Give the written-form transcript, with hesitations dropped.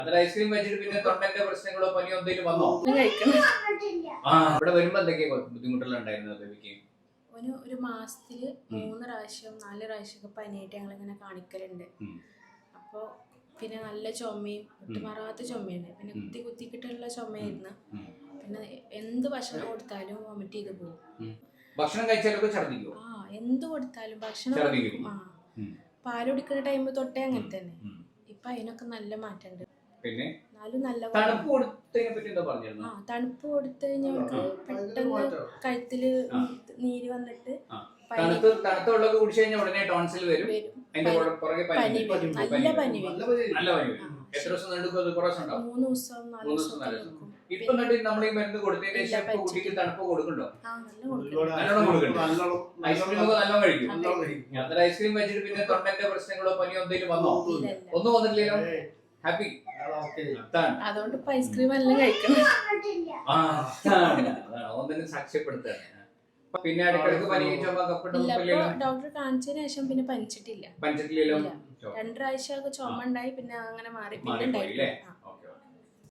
അതിൽ ഐസ്ക്രീം കഴിച്ചിട്ട് പിന്നെ തൊണ്ടന്റെ പ്രശ്നങ്ങളോ പനിയോ എന്തെങ്കിലും വന്നോ? ഇവിടെ വരുമ്പോ എന്തൊക്കെയാ ബുദ്ധിമുട്ടുകൾ ഉണ്ടായിരുന്നത് ബേബിക്ക്? ഒരു മാസത്തില് 3 പ്രാവശ്യം 4 പ്രാവശ്യമൊക്കെ പനിയായിട്ട് ഞങ്ങളിങ്ങനെ കാണിക്കലുണ്ട്. അപ്പോൾ പിന്നെ നല്ല ചുമയും വിട്ടുമാറാത്ത ചുമയാണ്, പിന്നെ കുത്തിക്കിട്ടുള്ള ചുമയായിരുന്നു. പിന്നെ എന്ത് ഭക്ഷണം കൊടുത്താലും വൊമിറ്റ് ചെയ്ത് പോകും. ഭക്ഷണം കഴിച്ചാലൊക്കെ ഛർദ്ദിക്കും? എന്ത് കൊടുത്താലും ഭക്ഷണം പാല് കുടിക്കുന്ന ടൈം തൊട്ടേ അങ്ങനെ തന്നെ. ഇപ്പൊ അതിനൊക്കെ നല്ല മാറ്റമുണ്ട്. പിന്നെ നല്ല തണുപ്പ് കൊടുത്തതിനെ പറ്റി എന്താ പറഞ്ഞിരുന്നു? തണുപ്പ് കൊടുത്തു കഴിഞ്ഞാൽ പെട്ടെന്ന് കഴുത്തില് നീര് വന്നിട്ട് തണുത്ത വെള്ളമൊക്കെ കുടിച്ചു കഴിഞ്ഞാൽ ഉടനെ ടോൺസിൽ വരും. അതിന്റെ പുറകെ പനി വരും, നല്ല പനി വരും. നല്ല പനി വരും. എത്ര ദിവസം നീണ്ടും? 3 ദിവസം 4 ദിവസം. ഇപ്പൊ നമ്മൾ ഈ മരുന്ന് കൊടുത്തതിന് ശേഷം കുട്ടിക്ക് തണുപ്പ് കൊടുക്കണ്ടോ? നല്ലോണം കൊടുക്കണ്ടോ? ഐസ്ക്രീം ഒക്കെ നല്ലോണം കഴിക്കും. അത്ര ഐസ്ക്രീം കഴിച്ചിട്ട് പിന്നെ തൊണ്ടന്റെ പ്രശ്നങ്ങളോ പനിയോ എന്തെങ്കിലും വന്നോ? ഒന്നും വന്നിട്ടില്ലല്ലോ. ഹാപ്പി. അതുകൊണ്ട് ഐസ്ക്രീം എല്ലാം കഴിക്കണം. അതൊന്നും സാക്ഷ്യപ്പെടുത്തുകയാണ്. പിന്നെ ഇടയ്ക്കിടയ്ക്ക് പനി ഡോക്ടറെ കാണിച്ചതിന് ശേഷം പിന്നെ പനിച്ചിട്ടില്ല. 2 പ്രാവശ്യമൊക്കെ ചുമ ഉണ്ടായി, പിന്നെ അങ്ങനെ മാറി. പിന്നെ